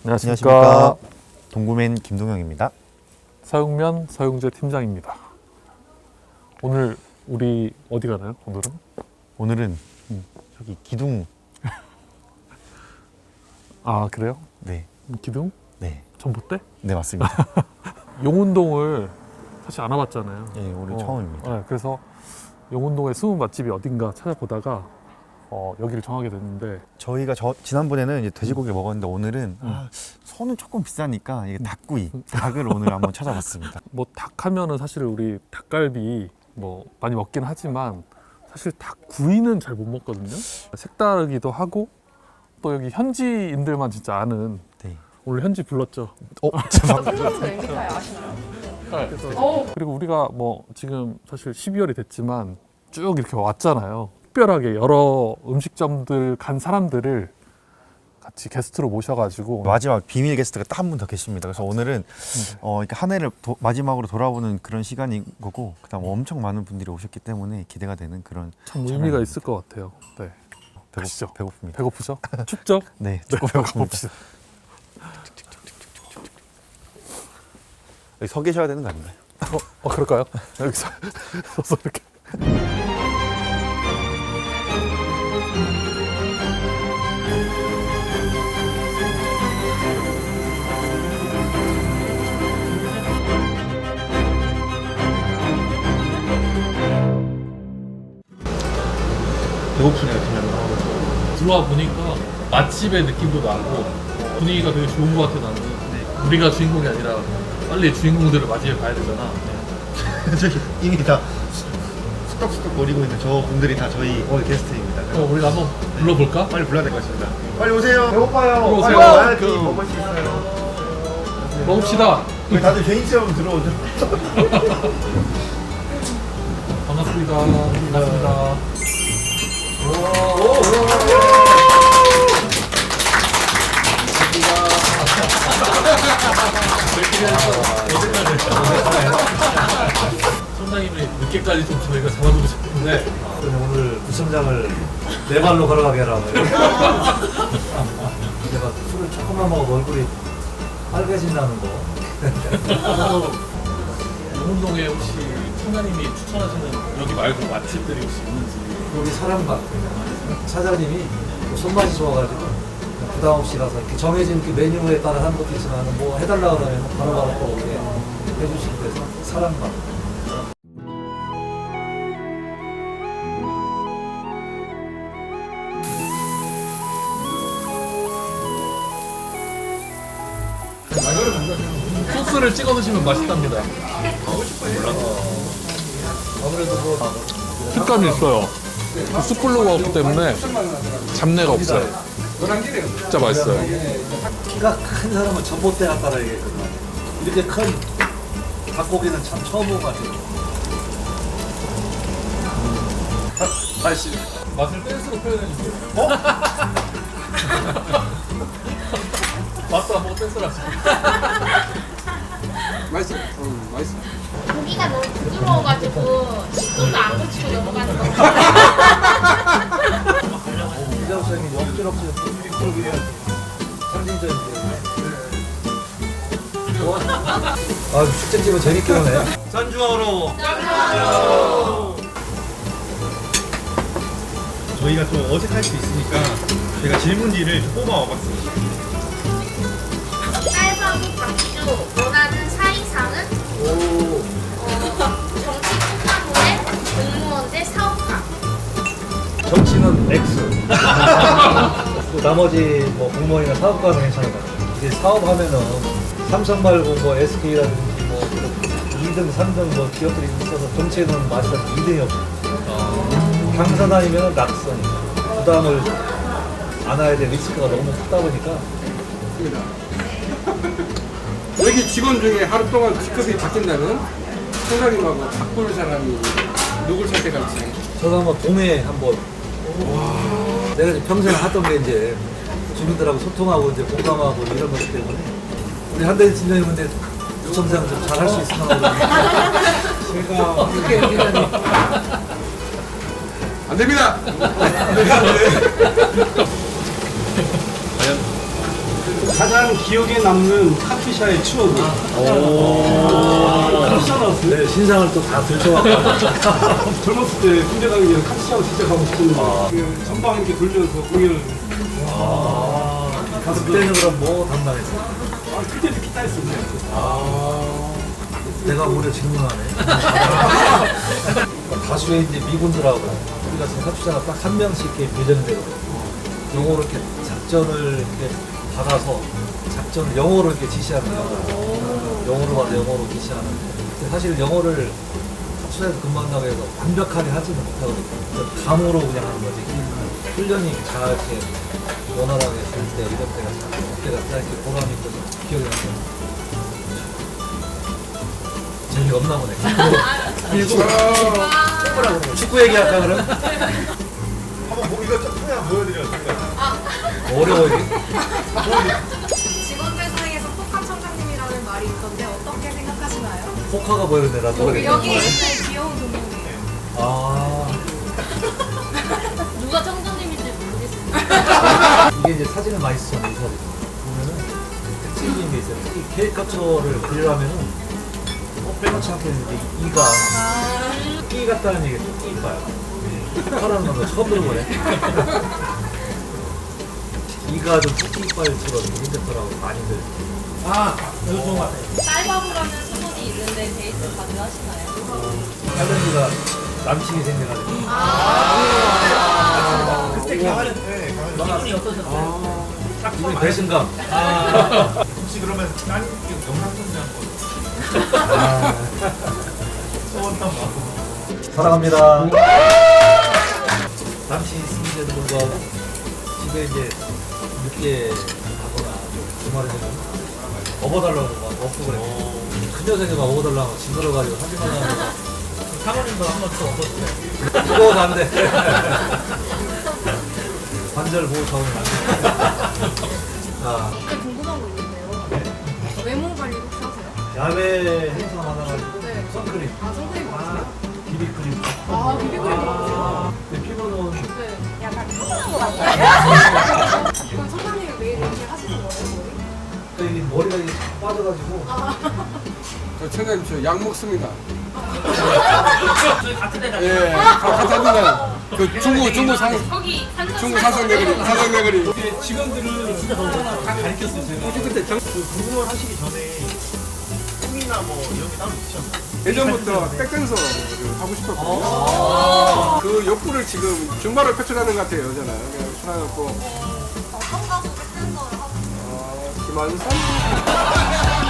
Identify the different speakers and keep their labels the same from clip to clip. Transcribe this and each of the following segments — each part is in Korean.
Speaker 1: 안녕하십니까.
Speaker 2: 동구맨 김동영입니다.
Speaker 1: 서영면 서영재 팀장입니다. 오늘 우리 어디 가나요?
Speaker 2: 오늘은 저기 기둥.
Speaker 1: 아 그래요?
Speaker 2: 네,
Speaker 1: 기둥?
Speaker 2: 네,
Speaker 1: 전봇대?
Speaker 2: 네 맞습니다.
Speaker 1: 용운동을 사실 안 와봤잖아요.
Speaker 2: 네, 오늘 처음입니다.
Speaker 1: 네, 그래서 용운동의 숨은 맛집이 어딘가 찾아보다가 여기를 정하게 됐는데
Speaker 2: 저희가 지난번에는 이제 돼지고기를 먹었는데 오늘은 소는 조금 비싸니까 이게 닭구이, 닭을 오늘 한번 찾아봤습니다.
Speaker 1: 뭐 닭 하면은 사실 우리 닭갈비 뭐 많이 먹긴 하지만 사실 닭구이는 잘 못 먹거든요. 색다르기도 하고 또 여기 현지인들만 진짜 아는
Speaker 2: 네.
Speaker 1: 오늘 현지 불렀죠.
Speaker 3: 선생님은 MBTI 아시나요?
Speaker 1: 그래서 그리고 우리가 뭐 지금 사실 12월이 됐지만 쭉 이렇게 왔잖아요. 특별하게 여러 음식점들 간 사람들을 같이 게스트로 모셔가지고
Speaker 2: 마지막 비밀 게스트가 딱 한 분 더 계십니다. 그래서 오늘은 이렇게 한 해를 마지막으로 돌아보는 그런 시간인 거고, 그다음 엄청 많은 분들이 오셨기 때문에 기대가 되는 그런
Speaker 1: 참 의미가 있을 것 같아요. 네, 가시죠.
Speaker 2: 배고픕니다.
Speaker 1: 배고프죠? 춥죠?
Speaker 2: 네, 조금 배고픕니다.
Speaker 1: 가봅시다.
Speaker 2: 여기 서 계셔야 되는 거 아닌가요?
Speaker 1: 그럴까요? 여기서 서서 이렇게. 배고프네요, 그냥. 들어와 보니까 맛집의 느낌도 나고 분위기가 되게 좋은 것 같아 나는. 우리가 주인공이 아니라 빨리 주인공들을 맞이해 봐야 되잖아.
Speaker 2: 저기 이미 다 수덕수덕 거리고 있는 저 분들이 다 저희 오늘 게스트입니다.
Speaker 1: 우리가 한번 불러볼까?
Speaker 2: 빨리 불러야 될 것 같습니다. 빨리 오세요. 배고파요.
Speaker 1: 들어오세요.
Speaker 2: 빨리 와야지 먹을 수 있어요.
Speaker 1: 먹읍시다.
Speaker 2: 왜 다들 개인 체험 들어오죠?
Speaker 1: 반갑습니다. 반갑습니다. 선장님이 늦게까지 좀 저희가 잡아주고 싶은데
Speaker 4: 오늘 구청장을 네 발로 걸어가게 하라고 해요. 제가 술을 조금만 먹으면 얼굴이 빨개진다는 거.
Speaker 1: 용운동에 혹시 선장님이 추천하시는 여기 말고 맛집들이 혹시 있는지.
Speaker 4: 여기 사람밥 사장님이 손맛이 좋아가지고 부담 없이 가서 이렇게 정해진 그 메뉴에 따라 하는 것도 있지만 뭐 해달라고 하면 바로바로 또 이렇게 해주시고 그래서 사람밥.
Speaker 1: 소스를 찍어 드시면 맛있답니다.
Speaker 4: 아무래도 뭐
Speaker 1: 식감이 있어요. 숯불로가 없기 때문에 잡내가 없어요. 진짜 맛있어요.
Speaker 4: 키가 큰 사람은 전봇대 같다라 얘기했거든요. 이렇게 큰 닭고기는 참 처음 먹어가지고. 맛있어요.
Speaker 1: 맛을 댄스로 표현해 주세요. 맛도 안 보고 댄스를 하시고.
Speaker 4: 맛있어요. 맛있어요.
Speaker 3: 고기가 너무 부드러워가지고 식도도 안 거치고 넘어가는 거.
Speaker 4: 기자부장님 억지럭지 그러기는 상징적인데. 아 축제집은 재밌게 하네.
Speaker 2: 산주하러. 저희가 좀 어색할 수 있으니까 제가 질문지를 뽑아 와봤습니다.
Speaker 3: 쌀밥이 박주 원하는 사이상은 정치 특감대 공무원 대 사업가.
Speaker 4: 정치는 X. 또 나머지 뭐 공무원이나 사업가는 괜찮은 것 같아요. 이게 사업하면은 삼성 말고 뭐 SK라든지 뭐 2등, 3등 뭐 기업들이 있어서 정치에는 마지막 2등이 없어요. 당선 아니면 낙선이죠. 부담을 안아야 될 리스크가 너무 크다 보니까.
Speaker 5: 여기 직원 중에 하루 동안 직급이 바뀐다면 총장님하고 바꿀 사람이 누굴 선택할지.
Speaker 4: 저도 한번 봄에 한번 내가 이제 평생 하던 게 이제 주민들하고 소통하고 이제 공감하고 이런 것 때문에 우리 한대희 팀장님 근데 구청장 좀 잘 할 수 있으면 하고 제가 어떻게 여기다니
Speaker 5: 안 됩니다.
Speaker 6: 가장 기억에 남는 카피샤의 추억은? 카피샤 나왔어요?
Speaker 4: 네, 신상을 또 다 들춰왔고.
Speaker 6: 젊었을 때 군대 가기 전에 카피샤가 진짜 가고 싶었는데 그 전방 이렇게 돌면서 공연을
Speaker 4: 그때는 그럼 뭐 담당했어?
Speaker 6: 그때도 기타 했었네.
Speaker 4: 내가 오히려 질문하네. 가수의 이제 미군들하고 우리가 지금 합주자가 딱 한 명씩 이렇게 배정이 되거든요. 영어로 이렇게 작전을 이렇게 받아서 작전을 영어로 이렇게 지시하는 거예요. 영어로 받아 영어로 지시하는. 근데 사실 영어를 합주자에서 근무한다고 해서 완벽하게 하지는 못하거든요. 그래서 감으로 그냥 하는 거지. 훈련이 잘 이렇게 원활하게 할 때 이런 때가 잘 그때가 딱 이렇게 보람 있고 기억이 나요. 재미가 없나 보네. 그리고 축구 얘기할까 그럼?
Speaker 2: 한번 뭐 이거 좀 그냥 보여드려요.
Speaker 4: 어려워 이게.
Speaker 7: 직원들 사이에서 폭한 청장님이라는 말이 있던데 어떻게 생각하시나요?
Speaker 4: 포카가 보이는데 나 모르겠네.
Speaker 7: 여기 있는 귀여운 동물이에요.
Speaker 4: 아
Speaker 3: 누가 청장님인지 모르겠어요.
Speaker 4: 이게 이제 사진을 많이 쓰잖아요. 이 사진 보면은 특징인 게 있어요. 이 캐릭터처를 그리려면은 빼놓지 않겠는데 이가 끼 같다는 얘기 토끼 이빨. 토카라는 건 처음 들어보네. 이가 좀 토끼 이빨처럼 생겼더라고 많이들.
Speaker 3: 쌀밥이라는 소문이 있는데 데이트 자주 하시나요?
Speaker 4: 할머니가 남친이 생겨가지고.
Speaker 2: 그때 가을에 기분이 어떠셨어요?
Speaker 4: 기분이 배신감.
Speaker 2: 혹시 그러면 딴 영상 편지 한번
Speaker 4: 사랑합니다. 남친이 있는데도 불구하고 집에 이제 늦게 가거나 주말에 되면 업어달라고 막 업고 그래. 큰 여생이 막 업어달라고 징그러가지고 사진 하나 사모님도 한 번도 업었어요. 그건 안 돼. 관절 보호 차원은 안 돼. 자,
Speaker 7: 궁금한 거 있는데요. 외모 관리 혹시 하세요?
Speaker 4: 야외 행사 많아가지고
Speaker 7: 네.
Speaker 4: 선크림,
Speaker 7: 선크림 바르세요?
Speaker 4: 비비크림.
Speaker 7: 비비크림 바르세요?
Speaker 4: 근데 피부는
Speaker 7: 네. 약간 피곤한 거 같아요. 그럼 청장님이 매일 이렇게 하시는 거예요, 거의?
Speaker 4: 이 머리가 이렇게 빠져가지고
Speaker 5: 저 청장님 저 약 먹습니다. 저희 같은 데가. 예, 같은 데가. 그 중구
Speaker 3: 거기
Speaker 5: 사성내거리.
Speaker 6: 직원들은 진짜 다 가르쳤어요, 제가.
Speaker 5: 그때
Speaker 2: 공무원 하시기 전에 꿈이나 뭐 이런 게 따로 있으셨나요?
Speaker 5: 예전부터 백댄서 하고 싶었거든요. 그 욕구를 지금 증발을 표출하는 것 같아요, 여자는. 그냥 출하였고.
Speaker 7: 어떤 가수 댄서를 하고
Speaker 5: 김한선?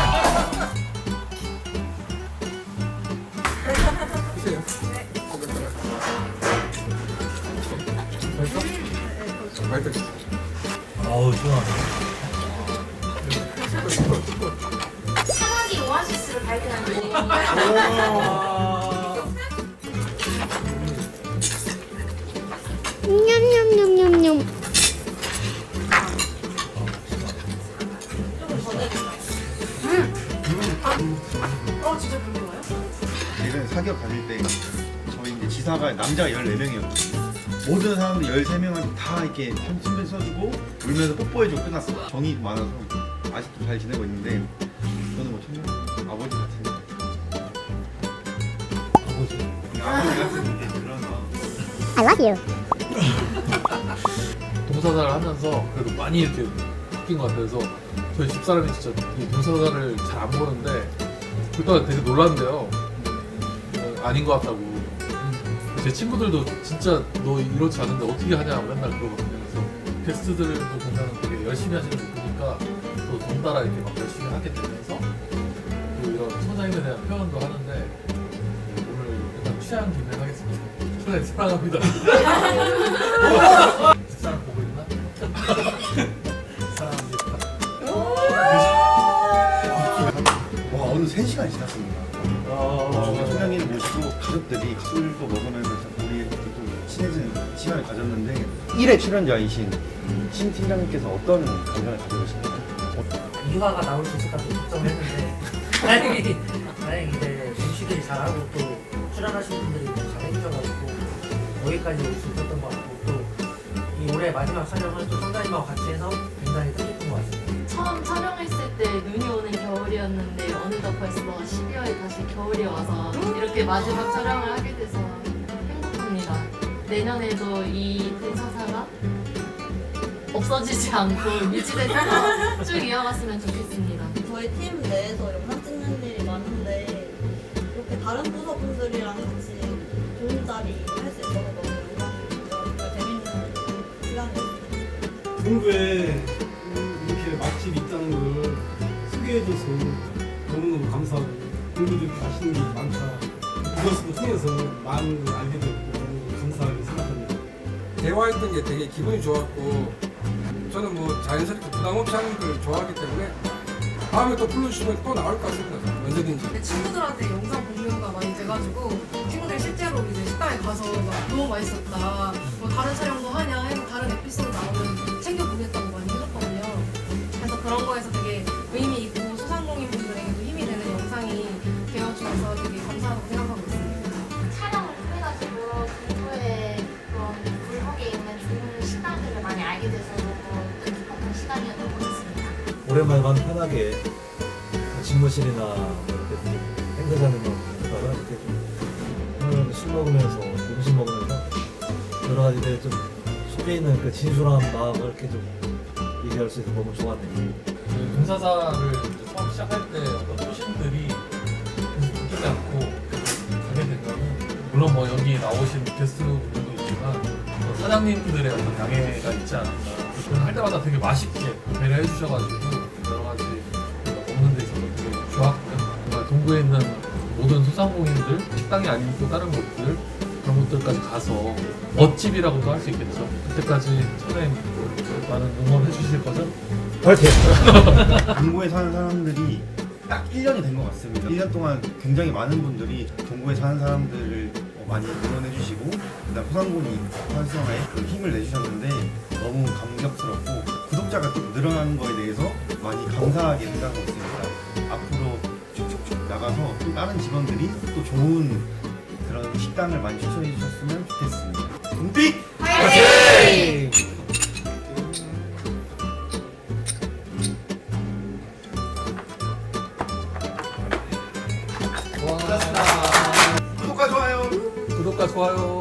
Speaker 5: 주세요. 맛있다.
Speaker 4: 어우 시원하네.
Speaker 3: 사막이 오아시스를 발견한 분.
Speaker 8: 냠냠냠냠냠.
Speaker 7: 진짜 궁금해요?
Speaker 2: 예전에 사기업 다닐 때 저희 이제 지사가 남자가 14명이었거든요. 모든 사람들 13명한테 다 이렇게 편지를 써주고 울면서 뽀뽀해주고 끝났어요. 정이 많아서 아직도 잘 지내고 있는데 저는 뭐 청년 아버지 같은 아버지 같은 그런 마음.
Speaker 8: I love you.
Speaker 1: 동사자를 하면서 그래도 많이 이렇게 바뀐 것 같아서 저희 집사람이 진짜 이 동사자를 잘 안 보는데 그동안 되게 놀랐는데요. 아닌 것 같다고. 제 친구들도 진짜 너 이렇지 않은데 어떻게 하냐 맨날 그러거든요. 그래서 게스트들도 보면 되게 열심히 하시는 거 보니까 또 덩달아 이렇게 막 열심히 하게 되면서 그 이런 소장님에 대한 표현도 하는데 오늘 일단 취향 김에 하겠습니다. 소장님 사랑합니다. 집사람 보고 있나? 사랑합니다.
Speaker 2: 와 오늘 3시간이 지났습니다. 소장님 모시고 가족들이 술도 먹으면서 우리 또 친해지는 시간을 가졌는데 1회 출연자이신 신 팀장님께서 어떤 감정을 가지고 계신가요?
Speaker 9: 이화가 나올 수 있을까 좀 걱정했는데 다행히 이제 MC들이 잘하고 또 출연하신 분들이 잘해주셔가지고 여기까지 올 수 있었던 것 같고 또 이 올해 마지막 촬영을 또 성장님하고 같이 해서 굉장히 뜻깊은 것 같습니다.
Speaker 10: 처음 촬영했을 때 눈이 오는 겨울이었는데 어느덧 벌써 12월에 다시 겨울이 와서 이렇게 마지막 촬영을 하게 돼서 행복합니다. 내년에도 이 대사사가 없어지지 않고 유지돼서 쭉 이어갔으면 좋겠습니다.
Speaker 7: 저희 팀 내에서 영상 찍는 일이 많은데 이렇게 다른 부서분들이랑 같이 좋은 자리 할 수 있어서 너무 영광이고 재밌는 시간이었어요.
Speaker 6: 동구에 이렇게 맛집이 있다는 걸 소개해줘서 너무너무 감사하고 동구도 이렇게 맛있는 게 많다. 이것을 통해서 많은 걸 알게 됐고 너무 감사하게 생각합니다.
Speaker 5: 대화했던 게 되게 기분이 좋았고 저는 뭐 자연스럽게 부담 없이 하는 걸 좋아하기 때문에 다음에 또 불러주시면 또 나올 것 같습니다. 언제든지.
Speaker 7: 친구들한테 영상 공유가 많이 돼가지고 친구들이 실제로 이제 식당에 가서 막 너무 맛있었다, 뭐 다른 촬영도 하냐 해서 다른 에피소드 나오면 챙겨보겠다고 많이 해줬거든요. 그래서 그런 거에서 되게 의미 있고 소상공인분들에게도 힘이 되는 영상이 되어주셔서 되게 감사하다고 생각하고 있습니다.
Speaker 3: 촬영을 통해가지고 동구에 그런 골목에 있는 좋은 식당들을 많이 알게 돼서 너무 뜻깊었던 시간이었던 것 같습니다.
Speaker 4: 오랜만에 마음 편하게 집무실이나 뭐 이렇게 행사장에만 보다가 이렇게 좀 술 먹으면서 음식 먹으면서 여러 가지 좀 속에 있는 그 진솔한 마음을 이렇게 좀 얘기할 수 있어서 너무 좋았네요.
Speaker 1: 그 봉사사를 이제 처음 시작할 때 어떤 소신들이 계속 바뀌지 않고 가게 된다면 물론 뭐 여기 나오신 게스트분들도 있지만 사장님들의 어떤 양해가 있지 않았나. 그걸 할 때마다 되게 맛있게 배려해 주셔가지고 여러 가지 먹는 데 있어서 되게 좋았고요. 정말 동구에 있는 모든 소상공인들, 식당이 아닌 또 다른 곳들 그런 곳들까지 가서 멋집이라고도 할 수 있겠죠. 그때까지 선생님 많은 응원해 주실 거죠?
Speaker 4: 파이팅!
Speaker 2: 동구에 사는 사람들이 딱 1년이 된 것 같습니다. 1년 동안 굉장히 많은 분들이 동구에 사는 사람들을 많이 응원해 주시고 그다음 소상공인 활성화에 그 힘을 내주셨는데 너무 감격스럽고 구독자가 또 늘어나는 거에 대해서 많이 감사하게 생각하고 있습니다. 앞으로 쭉쭉쭉 나가서 또 다른 직원들이 또 좋은 그런 식당을 많이 추천해 주셨으면 좋겠습니다. 동픽!
Speaker 7: 화이팅!
Speaker 2: 구독과 좋아요!
Speaker 1: 구독과 좋아요